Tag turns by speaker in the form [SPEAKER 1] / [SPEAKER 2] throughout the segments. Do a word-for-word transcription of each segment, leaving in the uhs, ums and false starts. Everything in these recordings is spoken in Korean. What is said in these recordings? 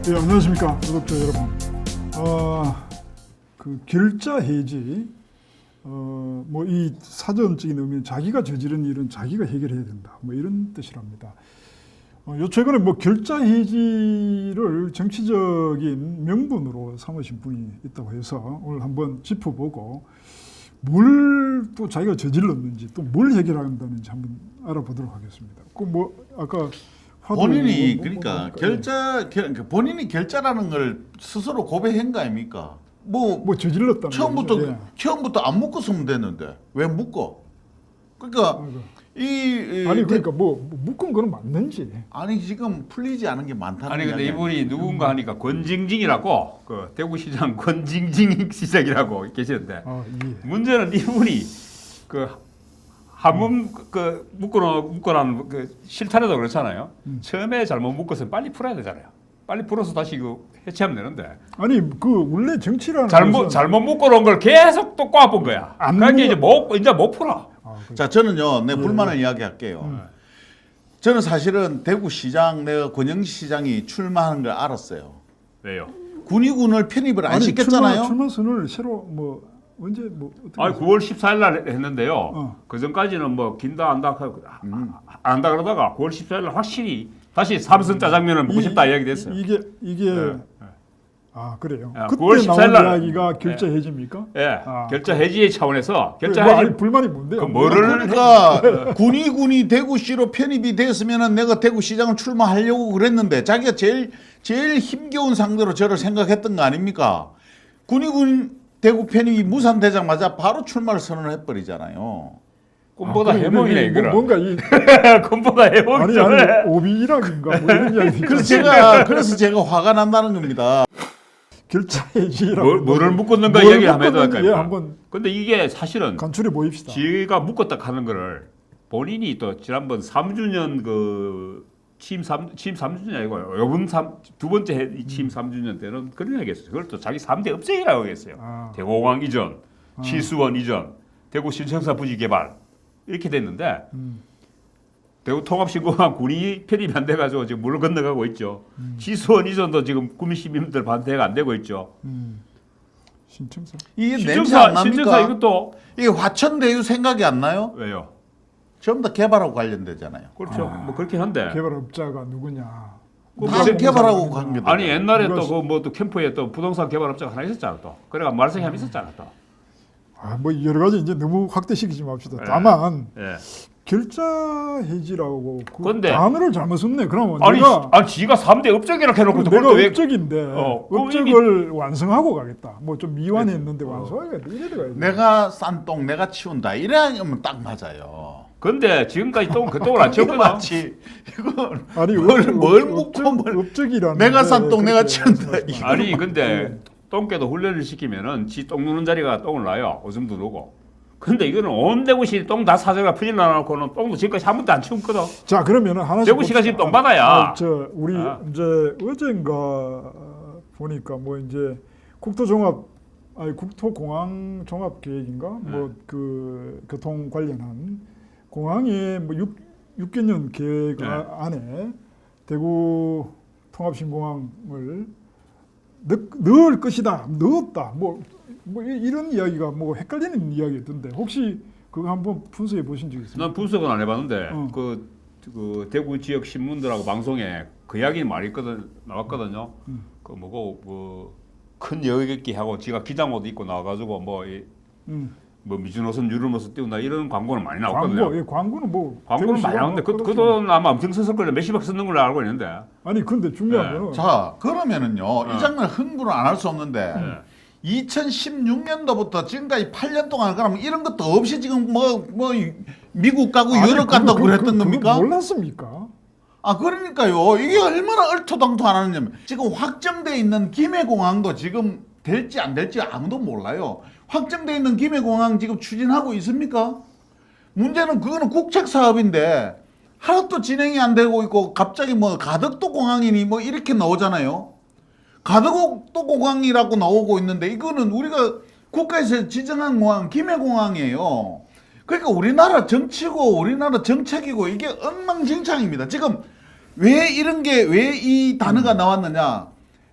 [SPEAKER 1] 네, 안녕하십니까 구독자 여러분. 어, 그 결자 해지, 어, 뭐 이 사전적인 의미는 자기가 저지른 일은 자기가 해결해야 된다, 뭐 이런 뜻이랍니다. 어, 요 최근에 뭐 결자 해지를 정치적인 명분으로 삼으신 분이 있다고 해서 오늘 한번 짚어보고 뭘 또 자기가 저질렀는지 또 뭘 해결한다는지 한번 알아보도록 하겠습니다. 그 뭐 아까
[SPEAKER 2] 본인이
[SPEAKER 1] 뭐, 뭐,
[SPEAKER 2] 그러니까
[SPEAKER 1] 뭐,
[SPEAKER 2] 결자 결, 본인이 결자라는 걸 스스로 고백한 거 아닙니까? 뭐,
[SPEAKER 1] 뭐 저질렀다는
[SPEAKER 2] 처음부터
[SPEAKER 1] 거죠. 예.
[SPEAKER 2] 처음부터 안 묶었으면 됐는데 왜 묶어? 그러니까
[SPEAKER 1] 아이고.
[SPEAKER 2] 이, 이
[SPEAKER 1] 아니
[SPEAKER 2] 대-
[SPEAKER 1] 그러니까 뭐 묶은 거는 맞는지.
[SPEAKER 2] 아니 지금 풀리지 않은 게 많다는
[SPEAKER 3] 아니 근데
[SPEAKER 2] 이야기
[SPEAKER 3] 이분이
[SPEAKER 2] 아닙니까?
[SPEAKER 3] 누군가 하니까 권징징이라고 그 대구시장 권징징 시장이라고 계시는데
[SPEAKER 1] 아 예.
[SPEAKER 3] 문제는 이분이 그 한번 그 묶어놓 묶어놓은 그 실탄에도 그렇잖아요.
[SPEAKER 1] 음.
[SPEAKER 3] 처음에 잘못 묶었으면 빨리 풀어야 되잖아요. 빨리 풀어서 다시 그 해체하면 되는데
[SPEAKER 1] 아니 그 원래 정치라는
[SPEAKER 3] 잘못
[SPEAKER 1] 것은
[SPEAKER 3] 잘못 묶어놓은 걸 계속 또 꼬아본 거야.
[SPEAKER 1] 안
[SPEAKER 3] 그러니까
[SPEAKER 1] 묶어-
[SPEAKER 3] 이제 못 이제 못 풀어.
[SPEAKER 1] 아, 그,
[SPEAKER 2] 자 저는요 내
[SPEAKER 1] 예,
[SPEAKER 2] 불만을 이야기할게요.
[SPEAKER 1] 음.
[SPEAKER 2] 저는 사실은 대구시장 내가 권영시장이 출마하는 걸 알았어요.
[SPEAKER 3] 왜요?
[SPEAKER 2] 군의군을 편입을 안
[SPEAKER 1] 아니,
[SPEAKER 2] 시켰잖아요.
[SPEAKER 1] 출마, 출마선을 새로 뭐 언제 뭐 어떻게
[SPEAKER 3] 아니 구월 십사일 날 했는데요.
[SPEAKER 1] 어.
[SPEAKER 3] 그 전까지는 뭐 긴다 안다 하고
[SPEAKER 2] 음.
[SPEAKER 3] 안 한다 그러다가 구월 십사일 날 확실히 다시 삼선 짜장면을 먹고 싶다 이야기 됐어요.
[SPEAKER 1] 이, 이게 이게
[SPEAKER 3] 예.
[SPEAKER 1] 아 그래요.
[SPEAKER 3] 아,
[SPEAKER 1] 그때
[SPEAKER 3] 구월 십사일
[SPEAKER 1] 나온
[SPEAKER 3] 날-
[SPEAKER 1] 이야기가 결자 해지입니까?
[SPEAKER 3] 예,
[SPEAKER 1] 아,
[SPEAKER 3] 결자 해지의 차원에서 결자
[SPEAKER 1] 뭐,
[SPEAKER 3] 해지
[SPEAKER 1] 아니 불만이 뭔데요?
[SPEAKER 3] 그 뭐를
[SPEAKER 2] 그러니까 군의군이 대구시로 편입이 됐으면은 내가 대구시장을 출마하려고 그랬는데 자기가 제일 제일 힘겨운 상대로 저를 생각했던 거 아닙니까? 군의군 대구 편입이 무산되자마자 바로 출마를 선언해 버리잖아요.
[SPEAKER 3] 꿈보다
[SPEAKER 1] 아, 그래,
[SPEAKER 3] 해몽이네
[SPEAKER 1] 이게 뭐-
[SPEAKER 3] 이거는.
[SPEAKER 1] 뭔가 이
[SPEAKER 3] 꿈보다
[SPEAKER 1] 아니
[SPEAKER 3] 해몽이죠.
[SPEAKER 1] 아니 오비락인가 뭐 이런 이야기.
[SPEAKER 2] 그래서 제가 그래서 제가 화가 난다는 겁니다.
[SPEAKER 1] 결자 해지라고
[SPEAKER 3] 뭘, 뭐를 묶었는가
[SPEAKER 1] 뭘
[SPEAKER 3] 이야기를 한번 해도
[SPEAKER 1] 묶었는지
[SPEAKER 3] 할까요?
[SPEAKER 1] 예, 한번
[SPEAKER 3] 근데 이게 사실은
[SPEAKER 1] 간추려 보입시다.
[SPEAKER 3] 지가 묶었다 하는 거를 본인이 또 지난번 삼 주년 그 취임 삼 취임 삼 주년 아니고 요번 삼, 두 번째 해- 이 취임 삼 주년 때는 그런 얘기 했어요. 그걸 또 자기 삼 대 업적이라고 했어요.
[SPEAKER 1] 아.
[SPEAKER 3] 대공항 이전, 치수원 이전, 대구 신청사 부지 개발 이렇게 됐는데
[SPEAKER 1] 음.
[SPEAKER 3] 대구 통합신공항 군이 편입이 안 돼가지고 지금 물 건너가고 있죠.
[SPEAKER 1] 음.
[SPEAKER 3] 치수원 이전도 지금 구민 시민들 반대가 안 되고 있죠.
[SPEAKER 1] 음. 신청서.
[SPEAKER 2] 이게 냄새
[SPEAKER 3] 신청사
[SPEAKER 2] 안 납니까?
[SPEAKER 3] 신청사 이것도
[SPEAKER 2] 이게 화천대유 생각이 안 나요?
[SPEAKER 3] 왜요?
[SPEAKER 2] 전부 다 개발하고 관련되잖아요.
[SPEAKER 3] 그렇죠.
[SPEAKER 1] 아.
[SPEAKER 3] 뭐 그렇긴 한데.
[SPEAKER 1] 개발업자가 누구냐?
[SPEAKER 3] 그
[SPEAKER 2] 다
[SPEAKER 3] 뭐-
[SPEAKER 2] 개발하고 관계돼.
[SPEAKER 3] 아니 옛날에
[SPEAKER 1] 누가
[SPEAKER 3] 또 그 뭐 또 캠프에 또 부동산 개발업자가 하나 있었잖아 또. 그래가 말썽이 한 있었잖아 또.
[SPEAKER 1] 아, 뭐 여러 가지 이제 너무 확대시키지 맙시다.
[SPEAKER 3] 예.
[SPEAKER 1] 다만
[SPEAKER 3] 예.
[SPEAKER 1] 결자 해지라고 그
[SPEAKER 3] 근데-
[SPEAKER 1] 단어를 잘못 썼네. 그러면
[SPEAKER 3] 아니,
[SPEAKER 1] 내가
[SPEAKER 3] 아니 지가 삼 대 업적이라고 해놓고 또
[SPEAKER 1] 내가
[SPEAKER 3] 그걸 또 왜?
[SPEAKER 1] 업적인데
[SPEAKER 3] 어, 그럼
[SPEAKER 1] 업적을 완성하고 가겠다. 뭐 좀 미완했는데 완성하겠다. 이래 들어가야 돼.
[SPEAKER 2] 내가 싼 똥 내가 치운다. 이래야면 딱 맞아요.
[SPEAKER 3] 근데 지금까지 똥 그 똥을 안
[SPEAKER 2] 이거
[SPEAKER 3] 치웠거든.
[SPEAKER 2] 맞지. 이거
[SPEAKER 1] 아니
[SPEAKER 2] 뭘-
[SPEAKER 1] 업-
[SPEAKER 2] 뭘
[SPEAKER 1] 업-
[SPEAKER 2] 묻고
[SPEAKER 1] 업적,
[SPEAKER 2] 뭘-
[SPEAKER 1] 업적이라는
[SPEAKER 2] 내가 싼
[SPEAKER 1] 게
[SPEAKER 2] 똥 내가
[SPEAKER 1] 그렇게
[SPEAKER 2] 치운다.
[SPEAKER 1] 말씀하지 마.
[SPEAKER 3] 아니 근데 똥개도 훈련을 시키면은 지 똥 누는 자리가 똥을 놔요. 오줌도 누고. 근데 이거는 온 대구시 똥 다 사정가 풀려 놔놓고는 똥도 지금까지 한 번도 안 치웠거든.
[SPEAKER 1] 자 그러면은 하나씩
[SPEAKER 3] 대구시가
[SPEAKER 1] 봅시다.
[SPEAKER 3] 지금 똥바다야.
[SPEAKER 1] 아, 저 우리
[SPEAKER 3] 아.
[SPEAKER 1] 이제 어젠가 보니까 뭐 이제 국토종합 아니 국토공항 종합 계획인가
[SPEAKER 3] 네.
[SPEAKER 1] 뭐 그 교통 관련한 공항의 뭐 육 육 개년 계획
[SPEAKER 3] 네.
[SPEAKER 1] 아- 안에 대구 통합신공항을 넣, 넣을 것이다 넣었다 뭐, 뭐 이- 이런 이야기가 뭐 헷갈리는 이야기였던데 혹시 그거 한번 분석해 보신 적 있습니까?
[SPEAKER 3] 난 분석은 안 해봤는데
[SPEAKER 1] 어.
[SPEAKER 3] 그, 그 대구 지역 신문들하고 방송에 그 이야기 많이 있거든 나왔거든요.
[SPEAKER 1] 음.
[SPEAKER 3] 그 뭐고 뭐큰 여객기 하고 지가 기장옷 입고 나와가지고 뭐. 이,
[SPEAKER 1] 음.
[SPEAKER 3] 뭐 미주노선 유럽노선 띄운다 이런 광고는 많이 나왔거든요.
[SPEAKER 1] 광고, 예, 광고는 뭐
[SPEAKER 3] 광고는
[SPEAKER 1] 대구시가
[SPEAKER 3] 많이 나오는데 그,
[SPEAKER 1] 뭐
[SPEAKER 3] 그 돈 아마 엄청 썼을 거예요. 몇십억 썼는 걸로 알고 있는데.
[SPEAKER 1] 아니 근데 중요한
[SPEAKER 3] 네.
[SPEAKER 1] 거는
[SPEAKER 2] 자 그러면은요
[SPEAKER 3] 어.
[SPEAKER 2] 이 장면 흥분을 안 할 수 없는데
[SPEAKER 3] 네.
[SPEAKER 2] 이천십육 년도부터 지금까지 팔 년 동안 그러면 이런 것도 없이 지금 뭐 뭐 미국 가고
[SPEAKER 1] 아니,
[SPEAKER 2] 유럽
[SPEAKER 1] 그거-
[SPEAKER 2] 간다고
[SPEAKER 1] 그거-
[SPEAKER 2] 그랬던
[SPEAKER 1] 그거
[SPEAKER 2] 겁니까?
[SPEAKER 1] 몰랐습니까?
[SPEAKER 2] 아 그러니까요 이게 얼마나 얼토당토 안 하느냐면 지금 확정돼 있는 김해공항도 지금 될지 안 될지 아무도 몰라요. 확정돼 있는 김해공항 지금 추진하고 있습니까? 문제는 그거는 국책 사업인데 하나도 진행이 안 되고 있고 갑자기 뭐 가덕도 공항이니 뭐 이렇게 나오잖아요. 가덕도 공항이라고 나오고 있는데 이거는 우리가 국가에서 지정한 공항 김해공항이에요. 그러니까 우리나라 정치고 우리나라 정책이고 이게 엉망진창입니다. 지금 왜 이런 게 왜 이 단어가 나왔느냐?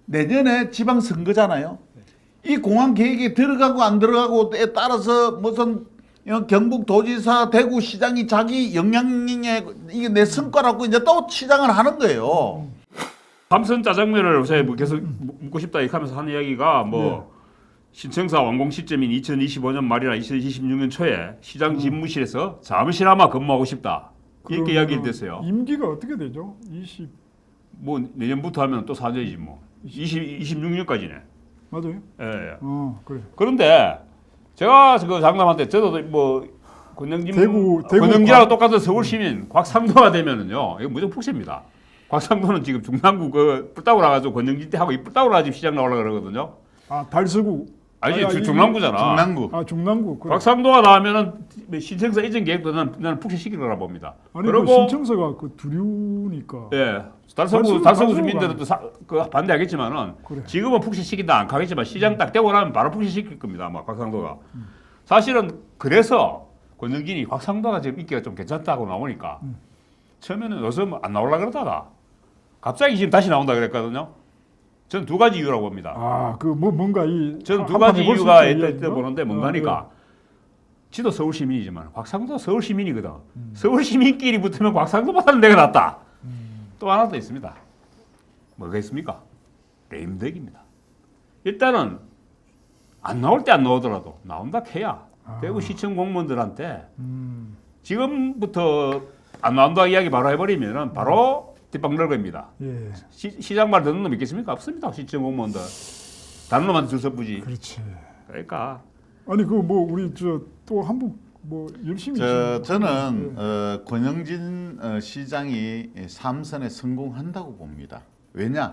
[SPEAKER 2] 내년에 지방 선거잖아요. 이 공항 계획에 들어가고 안 들어가고에 따라서 무슨 경북 도지사, 대구 시장이 자기 영향력에 이게 내 성과라고 이제 또 치장을 하는 거예요.
[SPEAKER 3] 삼선 짜장면을 요새 뭐 계속 묻고 싶다 이렇게 하면서 하는 이야기가 뭐
[SPEAKER 1] 네.
[SPEAKER 3] 신청사 완공 시점인 이천이십오 년 말이나 이천이십육 년 초에 시장 집무실에서 잠시나마 근무하고 싶다 이렇게 이야기를 됐어요.
[SPEAKER 1] 임기가 어떻게 되죠? 이십
[SPEAKER 3] 뭐 내년부터 하면 또 사 년이지 뭐. 이십, 이십육 년까지네.
[SPEAKER 1] 맞아요?
[SPEAKER 3] 예, 예.
[SPEAKER 1] 어 그래.
[SPEAKER 3] 그런데 제가 그 장담할 때 저도 뭐 권영진
[SPEAKER 1] 대구- 대구
[SPEAKER 3] 권영진하고
[SPEAKER 1] 곽-
[SPEAKER 3] 똑같은 서울 시민 곽상도가 되면은요 이거 무조건 폭세입니다. 곽상도는 지금 중랑구 그 뿔따구 나가지고 권영진 때 하고 이 뿔따구 나가지고 시장 나오려고 그러거든요.
[SPEAKER 1] 아 달서구.
[SPEAKER 3] 아니
[SPEAKER 1] 아,
[SPEAKER 3] 주-
[SPEAKER 1] 이-
[SPEAKER 3] 중랑구잖아.
[SPEAKER 2] 중랑구.
[SPEAKER 1] 아 중랑구. 그래.
[SPEAKER 3] 곽상도가 나오면은 신청사 이전 계획도 나는, 나는 폭시시킬 거라 봅니다.
[SPEAKER 1] 아니 그
[SPEAKER 3] 그리고
[SPEAKER 1] 신청서가 그 두류니까.
[SPEAKER 3] 예, 달서구
[SPEAKER 1] 달서구,
[SPEAKER 3] 달서구
[SPEAKER 1] 달서구가
[SPEAKER 3] 주민들도 사, 그 반대하겠지만은
[SPEAKER 1] 그래.
[SPEAKER 3] 지금은 폭시시킨다 안 가겠지만 시장 딱 되고 나면 바로 폭시시킬 겁니다. 아마 곽상도가. 사실은 그래서 권영진이 곽상도가 지금 인기가 좀 괜찮다고 나오니까
[SPEAKER 1] 음.
[SPEAKER 3] 처음에는 요즘 안 나오려 그러다가 갑자기 지금 다시 나온다 그랬거든요. 저는 두 가지 이유라고 봅니다.
[SPEAKER 1] 아그 뭐 뭔가 이.
[SPEAKER 3] 저는 두
[SPEAKER 1] 한판
[SPEAKER 3] 가지
[SPEAKER 1] 해볼 수
[SPEAKER 3] 이유가
[SPEAKER 1] 있다
[SPEAKER 3] 있다
[SPEAKER 1] 이야기인가?
[SPEAKER 3] 있다 보는데 뭔가니까 지도 서울 시민이지만 곽상도 서울 시민이거든.
[SPEAKER 1] 음.
[SPEAKER 3] 서울 시민끼리 붙으면 곽상도보다는 내가 낫다. 또 하나 더 있습니다. 뭐가 있습니까? 레임덕입니다. 일단은 안 나올 때 안 나오더라도 나온다 해야
[SPEAKER 1] 아.
[SPEAKER 3] 대구 시청 공무원들한테
[SPEAKER 1] 음.
[SPEAKER 3] 지금부터 안 나온다 이야기 바로 해버리면은 바로 뒷방 넓입니다.
[SPEAKER 1] 예.
[SPEAKER 3] 시, 시장 말 듣는 놈 있겠습니까? 없습니다. 시청 공무원들 다른 놈한테 줄 서부지.
[SPEAKER 1] 그렇지.
[SPEAKER 3] 그러니까
[SPEAKER 1] 아니 그 뭐 우리 저 또 한국 뭐 열심히.
[SPEAKER 2] 저
[SPEAKER 1] 지금
[SPEAKER 2] 저는
[SPEAKER 1] 예.
[SPEAKER 2] 어, 권영진 어, 시장이 삼선에 성공한다고 봅니다. 왜냐?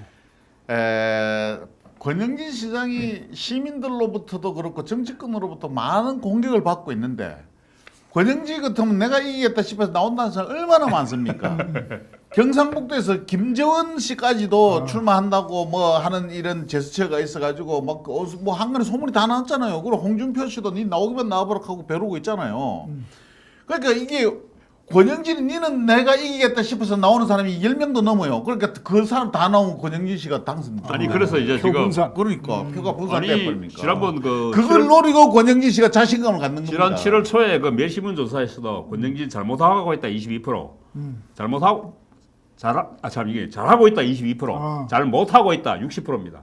[SPEAKER 2] 에, 권영진 시장이 시민들로부터도 그렇고 정치권으로부터 많은 공격을 받고 있는데 권영진 같으면 내가 이기겠다 싶어서 나온다는 사람 얼마나 많습니까? 경상북도에서 김재원 씨까지도
[SPEAKER 1] 아.
[SPEAKER 2] 출마한다고 뭐 하는 이런 제스처가 있어가지고 막뭐 한간에 소문이 다 나왔잖아요. 그리고 홍준표 씨도 니 나오기만 나와보라 하고 벼르고 있잖아요.
[SPEAKER 1] 음.
[SPEAKER 2] 그러니까 이게 권영진이 니는 내가 이기겠다 싶어서 나오는 사람이 열 명도 넘어요. 그러니까 그 사람 다 나오면 권영진 씨가 당선돼.
[SPEAKER 3] 아니 그래서 이제 지금
[SPEAKER 1] 표분산.
[SPEAKER 2] 그러니까 표가
[SPEAKER 3] 아니
[SPEAKER 2] 분산돼버립니까?
[SPEAKER 3] 지난번 그
[SPEAKER 2] 그걸
[SPEAKER 3] 칠월-
[SPEAKER 2] 노리고 권영진 씨가 자신감을 갖는
[SPEAKER 3] 지난
[SPEAKER 2] 겁니다.
[SPEAKER 3] 칠월 초에 그 멸시문 조사에서도 권영진 잘못하고 있다 이십이 퍼센트,
[SPEAKER 1] 음.
[SPEAKER 3] 잘못하고 잘아참 이게 잘하고 있다 이십이 퍼센트,
[SPEAKER 1] 아.
[SPEAKER 3] 잘못하고 있다 육십 퍼센트입니다.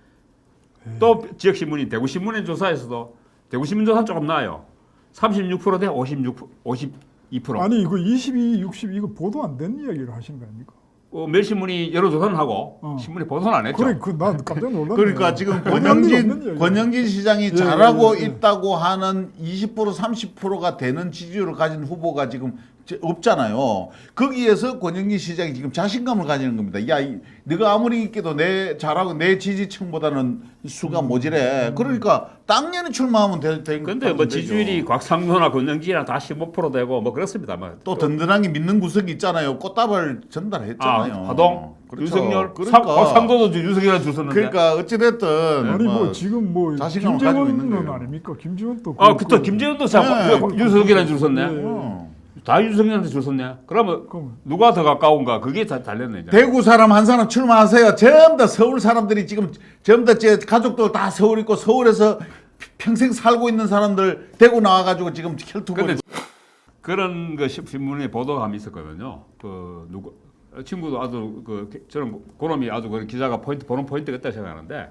[SPEAKER 3] 또 지역 신문인 대구 신문인 조사에서도 대구 신문 조사 조금 나아요. 삼십육 퍼센트 대 오십육 오십이 퍼센트.
[SPEAKER 1] 아니 이거 이십이, 육십 이거 보도 안 된 이야기를 하시는 거 아닙니까?
[SPEAKER 3] 어, 멸신문이 여러 조사는 하고
[SPEAKER 1] 어.
[SPEAKER 3] 신문이 보도는 안 했죠.
[SPEAKER 1] 그래 그난 깜짝 놀랐네.
[SPEAKER 2] 그러니까 지금
[SPEAKER 1] 없는
[SPEAKER 2] 권영진
[SPEAKER 1] 이야기야.
[SPEAKER 2] 권영진 시장이
[SPEAKER 1] 예,
[SPEAKER 2] 잘하고
[SPEAKER 1] 예, 예.
[SPEAKER 2] 있다고 하는 이십 퍼센트 삼십 퍼센트가 되는 지지율을 가진 후보가 지금 제- 없잖아요. 거기에서 권영진 시장이 지금 자신감을 가지는 겁니다. 야, 이, 네가 아무리 있게도 내 잘하고 내 지지층보다는 수가
[SPEAKER 1] 음.
[SPEAKER 2] 모자래. 그러니까 당연히 출마하면 될 될-
[SPEAKER 3] 근데 뭐
[SPEAKER 2] 되죠.
[SPEAKER 3] 지지율이 곽상도나 권영진이랑 다 십오 퍼센트 되고 뭐 그렇습니다. 뭐
[SPEAKER 2] 또 든든하게 믿는 구석이 있잖아요. 꽃다발
[SPEAKER 3] 아,
[SPEAKER 2] 전달했잖아요.
[SPEAKER 3] 하동,
[SPEAKER 2] 그렇죠.
[SPEAKER 3] 윤석열,
[SPEAKER 2] 그러니까,
[SPEAKER 3] 상- 곽상도도 윤석열한테 줄 섰는데.
[SPEAKER 2] 그러니까 어찌됐든
[SPEAKER 1] 아니 뭐
[SPEAKER 2] 뭐
[SPEAKER 1] 지금 뭐
[SPEAKER 2] 자신감을 가지고 있는
[SPEAKER 1] 김재원은
[SPEAKER 2] 거예요.
[SPEAKER 1] 아닙니까? 김재원도
[SPEAKER 3] 아,
[SPEAKER 1] 그-
[SPEAKER 3] 그때
[SPEAKER 1] 그-
[SPEAKER 3] 김재현도 참
[SPEAKER 2] 네.
[SPEAKER 3] 그 윤석열한테 줄 섰네.
[SPEAKER 1] 네.
[SPEAKER 2] 어.
[SPEAKER 3] 다 윤석열한테 줄 섰네. 그러면
[SPEAKER 1] 그럼
[SPEAKER 3] 누가 더 가까운가? 그게 다 달렸네. 이제.
[SPEAKER 2] 대구 사람 한 사람 출마하세요. 전부 다 서울 사람들이 지금 전부 다 제 가족들 다 서울 있고 서울에서 평생 살고 있는 사람들 대구 나와가지고 지금 혈투고
[SPEAKER 3] 근데 그런 그 시- 신문에 보도감이 있었거든요. 그 누구 친구도 아주 그 저는 그놈이 아주 그 기자가 포인트 보는 포인트가 있다고 생각하는데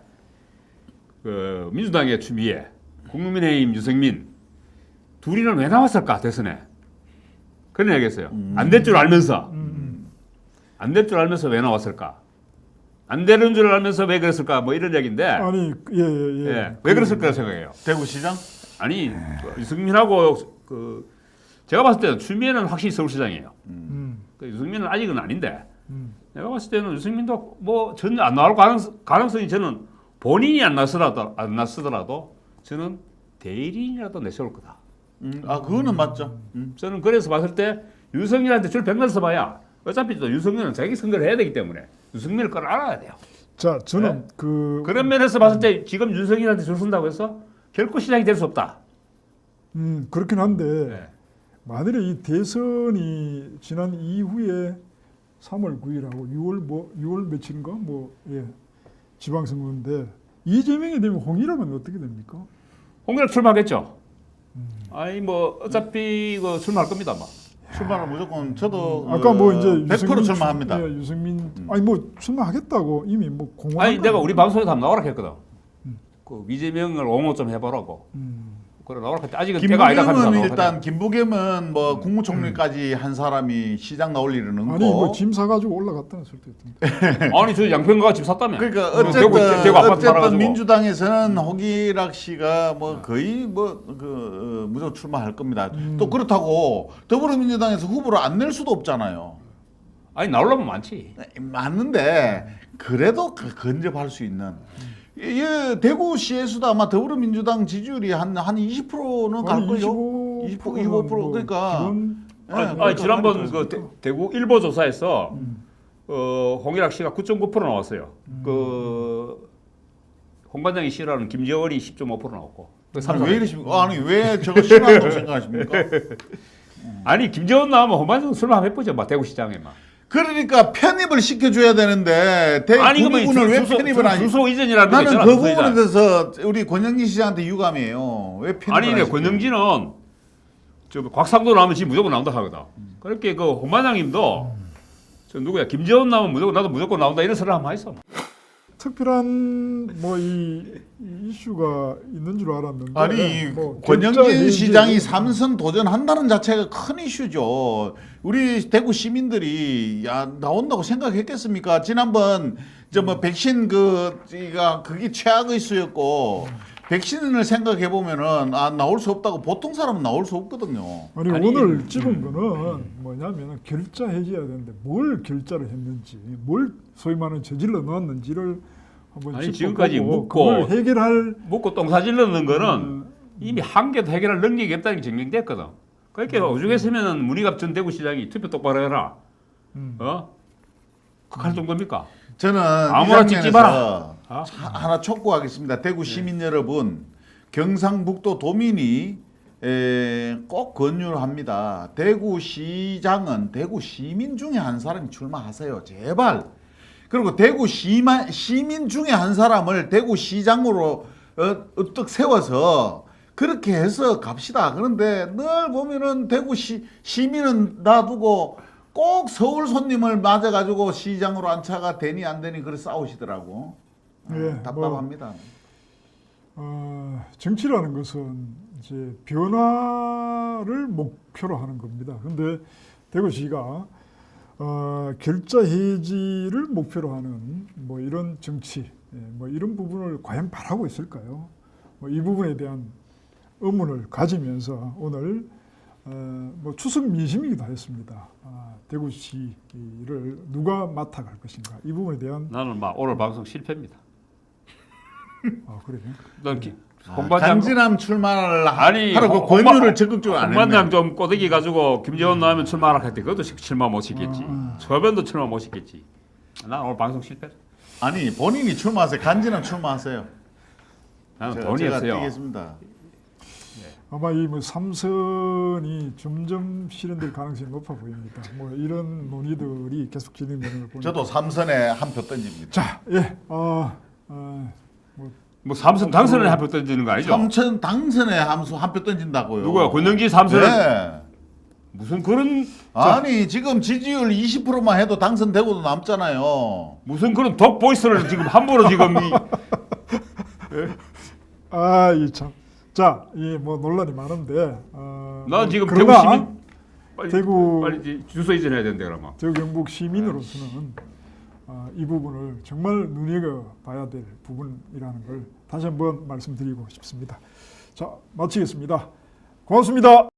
[SPEAKER 3] 그 민주당의 추미애, 국민의힘 유승민 둘이는 왜 나왔을까 대선에 그런 얘기했어요. 안 될 줄 알면서
[SPEAKER 1] 음,
[SPEAKER 3] 안 될 줄 알면서 왜 나왔을까? 안 되는 줄 알면서 왜 그랬을까? 뭐 이런 얘기인데
[SPEAKER 1] 아니 예예 예.
[SPEAKER 3] 예, 왜 그랬을까 생각해요.
[SPEAKER 2] 대구시장
[SPEAKER 3] 아니 그 유승민하고 그 제가 봤을 때는 추미애는 확실히 서울시장이에요.
[SPEAKER 1] 음,
[SPEAKER 3] 그 유승민은 아직은 아닌데
[SPEAKER 1] 음.
[SPEAKER 3] 내가 봤을 때는 유승민도 뭐 전혀 안 나올 가능성, 가능성이 저는 본인이 안 나서라도 안 나서더라도 저는 대리인이라도 내세울 거다.
[SPEAKER 2] 음, 아 그거는 맞죠. 음.
[SPEAKER 3] 저는 그래서 봤을 때 유승민한테 줄 백날 써봐야 어차피 또 유승민은 자기 선거를 해야 되기 때문에 유승민을 끌어안아야 돼요.
[SPEAKER 1] 자 저는
[SPEAKER 3] 네?
[SPEAKER 1] 그
[SPEAKER 3] 그런 면에서 봤을 때 지금 윤석열한테 줄 선다고 해서 결코 시장이 될 수 없다.
[SPEAKER 1] 음, 그렇긴 한데
[SPEAKER 3] 네.
[SPEAKER 1] 만일에 이 대선이 지난 이후에 삼월 구일하고 유월 뭐 유월 며칠인가 뭐 예. 지방선거인데 이재명이 되면 홍일학은 어떻게 됩니까?
[SPEAKER 3] 홍일학 출마하겠죠.
[SPEAKER 1] 음.
[SPEAKER 3] 아니 뭐 어차피 그 출마할 겁니다, 뭐.
[SPEAKER 2] 출마는 무조건 저도
[SPEAKER 1] 아까 뭐 이제
[SPEAKER 2] 백 퍼센트
[SPEAKER 1] 유승민
[SPEAKER 2] 출마합니다.
[SPEAKER 1] 출- 예, 유승민 아니 뭐 출마하겠다고 이미 뭐 공언.
[SPEAKER 3] 아니 내가 우리 방송에서 한번 나오라 했거든.
[SPEAKER 1] 음.
[SPEAKER 3] 그 이재명을 옹호 좀 해보라고.
[SPEAKER 1] 음.
[SPEAKER 3] 그래 나오라 했지. 아직은 때가 아니다 하면서
[SPEAKER 2] 김부겸은
[SPEAKER 3] 나오라
[SPEAKER 2] 일단 김부겸은 뭐 국무총리까지 한 사람이 시장 나올 일은 없고.
[SPEAKER 1] 아니 뭐 짐 사가지고 올라갔다는 소리도 있던데.
[SPEAKER 3] 아니 저 양평가가 집 샀다며.
[SPEAKER 2] 그러니까
[SPEAKER 3] 어,
[SPEAKER 2] 어쨌든
[SPEAKER 3] 대구, 대구 아파트
[SPEAKER 2] 어쨌든
[SPEAKER 3] 살아가지고.
[SPEAKER 2] 민주당에서는 홍일학 씨가 뭐 거의 뭐그 무조건 출마할 겁니다.
[SPEAKER 1] 음.
[SPEAKER 2] 또 그렇다고 더불어민주당에서 후보를 안 낼 수도 없잖아요.
[SPEAKER 3] 아니 나오려면 많지.
[SPEAKER 2] 맞는데 그래도 그 근접할 수 있는. 예, 대구시에서도 아마 더불어민주당 지지율이 한 한 이십 퍼센트는 갈 거요.
[SPEAKER 1] 이십오
[SPEAKER 2] 이십 퍼센트, 이십오 퍼센트 그러니까.
[SPEAKER 1] 기본
[SPEAKER 2] 예,
[SPEAKER 3] 아니,
[SPEAKER 2] 그러니까
[SPEAKER 3] 아니 지난번
[SPEAKER 1] 많이
[SPEAKER 3] 그
[SPEAKER 1] 들었으니까.
[SPEAKER 3] 대, 구 일보 조사에서
[SPEAKER 1] 음.
[SPEAKER 3] 어, 홍일학 씨가 구 점 구 퍼센트 나왔어요.
[SPEAKER 1] 음.
[SPEAKER 3] 그 홍반장이 싫어하는 김재원이 십 점 오 퍼센트 나왔고. 그
[SPEAKER 2] 아니,
[SPEAKER 3] 삼성.
[SPEAKER 2] 왜 이러십니까? 아니 왜 저거 싫어한다고 생각하십니까?
[SPEAKER 3] 아니 김재원 나오면 홍반장 술만 한번 해보죠, 막 대구시장에 막.
[SPEAKER 2] 그러니까 편입을 시켜줘야 되는데
[SPEAKER 3] 아니 그러면
[SPEAKER 2] 대구분을 왜
[SPEAKER 3] 주소,
[SPEAKER 2] 편입을 하니?
[SPEAKER 3] 주소 이전이라는 거
[SPEAKER 2] 나는
[SPEAKER 3] 있잖아.
[SPEAKER 2] 그
[SPEAKER 3] 주소
[SPEAKER 2] 부분에
[SPEAKER 3] 이전.
[SPEAKER 2] 대해서 우리 권영진 씨한테 유감이에요. 왜 편입을
[SPEAKER 3] 아니 근데
[SPEAKER 2] 안 시켜요?
[SPEAKER 3] 권영진은 저 곽상도 나오면 지금 무조건 나온다 하거든. 그렇게 그 홍반장님도 저 누구야 김재원 나오면 무조건 나도 무조건 나온다 이런 소리를 한번 했어.
[SPEAKER 1] 특별한 뭐 이 이슈가 있는 줄 알았는데
[SPEAKER 2] 아니
[SPEAKER 1] 뭐
[SPEAKER 2] 권영진
[SPEAKER 1] 결자
[SPEAKER 2] 시장이
[SPEAKER 1] 해지-
[SPEAKER 2] 삼선 도전한다는 자체가 큰 이슈죠. 우리 대구 시민들이 야 나온다고 생각했겠습니까? 지난번 저 뭐 백신 그가 그게 최악의 수였고 백신을 생각해 보면은 아 나올 수 없다고 보통 사람은 나올 수 없거든요.
[SPEAKER 1] 아니,
[SPEAKER 3] 아니,
[SPEAKER 1] 오늘 찍은 거는 뭐냐면 결자 해지해야 되는데 뭘 결자를 했는지 뭘 소위 말하는 저질러 넣었는지를 한번
[SPEAKER 3] 아니,
[SPEAKER 1] 짚어보고
[SPEAKER 3] 지금까지 묻고
[SPEAKER 1] 그걸 해결할
[SPEAKER 3] 묻고 똥사질 넣는 거는
[SPEAKER 1] 음,
[SPEAKER 3] 이미 한 개도 해결할 능력이 없다는 게 증명됐거든. 그러니까 오죽했으면 문희갑 전 대구시장이 투표 똑바로 해라.
[SPEAKER 1] 음.
[SPEAKER 3] 어? 그할 정도입니까?
[SPEAKER 2] 저는
[SPEAKER 3] 아무나
[SPEAKER 2] 이
[SPEAKER 3] 찍지
[SPEAKER 2] 장면에서
[SPEAKER 3] 마라. 아?
[SPEAKER 2] 하- 하나 촉구하겠습니다. 대구 시민 여러분, 경상북도 도민이 에, 꼭 권유를 합니다. 대구시장은 대구 시민 중에 한 사람이 출마하세요. 제발. 그리고 대구 시마, 시민 중에 한 사람을 대구시장으로 어, 으뜩 세워서 그렇게 해서 갑시다. 그런데 늘 보면은 대구시 시민은 놔두고 꼭 서울 손님을 맞아가지고 시장으로 안차가 되니 안 되니 그래 싸우시더라고. 아,
[SPEAKER 1] 예,
[SPEAKER 2] 답답합니다.
[SPEAKER 1] 어, 정치라는 것은 이제 변화를 목표로 하는 겁니다. 근데 대구시가 어, 결자 해지를 목표로 하는 뭐 이런 정치, 예, 뭐 이런 부분을 과연 바라고 있을까요? 뭐 이 부분에 대한 의문을 가지면서 오늘 어, 뭐 추석 민심이기도 했습니다. 아, 대구시를 누가 맡아갈 것인가 이 부분에 대한
[SPEAKER 3] 나는 막 오늘 방송 실패입니다.
[SPEAKER 1] 아 그래요.
[SPEAKER 3] 넌 기,
[SPEAKER 2] 아,
[SPEAKER 3] 홍반장
[SPEAKER 2] 강진함 출마를 하-
[SPEAKER 3] 아니
[SPEAKER 2] 하라고
[SPEAKER 3] 홍-
[SPEAKER 2] 권유를
[SPEAKER 3] 홍반-
[SPEAKER 2] 적극적으로 안
[SPEAKER 3] 홍반장
[SPEAKER 2] 했네.
[SPEAKER 3] 좀 꼬대기 가지고 김재원 나오면 출마하라 했대. 그것도 시- 출마 못 시켰지.
[SPEAKER 1] 아, 아.
[SPEAKER 3] 저변도 출마 못 시켰지. 난 오늘 방송 실패.
[SPEAKER 2] 아니 본인이 출마하세요. 간지남 출마하세요.
[SPEAKER 3] 나는
[SPEAKER 2] 제가,
[SPEAKER 3] 돈이
[SPEAKER 2] 제가
[SPEAKER 3] 없어요.
[SPEAKER 2] 뛰겠습니다.
[SPEAKER 1] 아마 이 뭐 삼선이 점점 실현될 가능성이 높아 보입니다. 뭐 이런 논의들이 계속 진행되는 걸 보니까.
[SPEAKER 2] 저도 삼선에 한 표 던집니다.
[SPEAKER 1] 자, 예, 어, 어, 뭐
[SPEAKER 3] 뭐 삼선 당선을 한표 던지는 거 아니죠?
[SPEAKER 2] 삼선 당선에 함수 한 표 던진다고요.
[SPEAKER 3] 누구야? 권영진 삼선?
[SPEAKER 2] 네.
[SPEAKER 3] 무슨 그런
[SPEAKER 2] 아니 지금 지지율 이십 퍼센트만 해도 당선되고도 남잖아요.
[SPEAKER 3] 무슨 그런 독 보이스를 지금 함부로 지금 이
[SPEAKER 1] 아, 이 참. 자, 이 뭐 논란이 많은데. 어,
[SPEAKER 3] 난
[SPEAKER 1] 뭐
[SPEAKER 3] 지금
[SPEAKER 1] 그러나
[SPEAKER 3] 대구 시민 빨리,
[SPEAKER 1] 대구-
[SPEAKER 3] 빨리 이제 주소 이전해야 된대 그러면.
[SPEAKER 1] 대구 경북 시민으로서는 어, 이 부분을 정말 눈여겨봐야 될 부분이라는 걸 다시 한번 말씀드리고 싶습니다. 자, 마치겠습니다. 고맙습니다.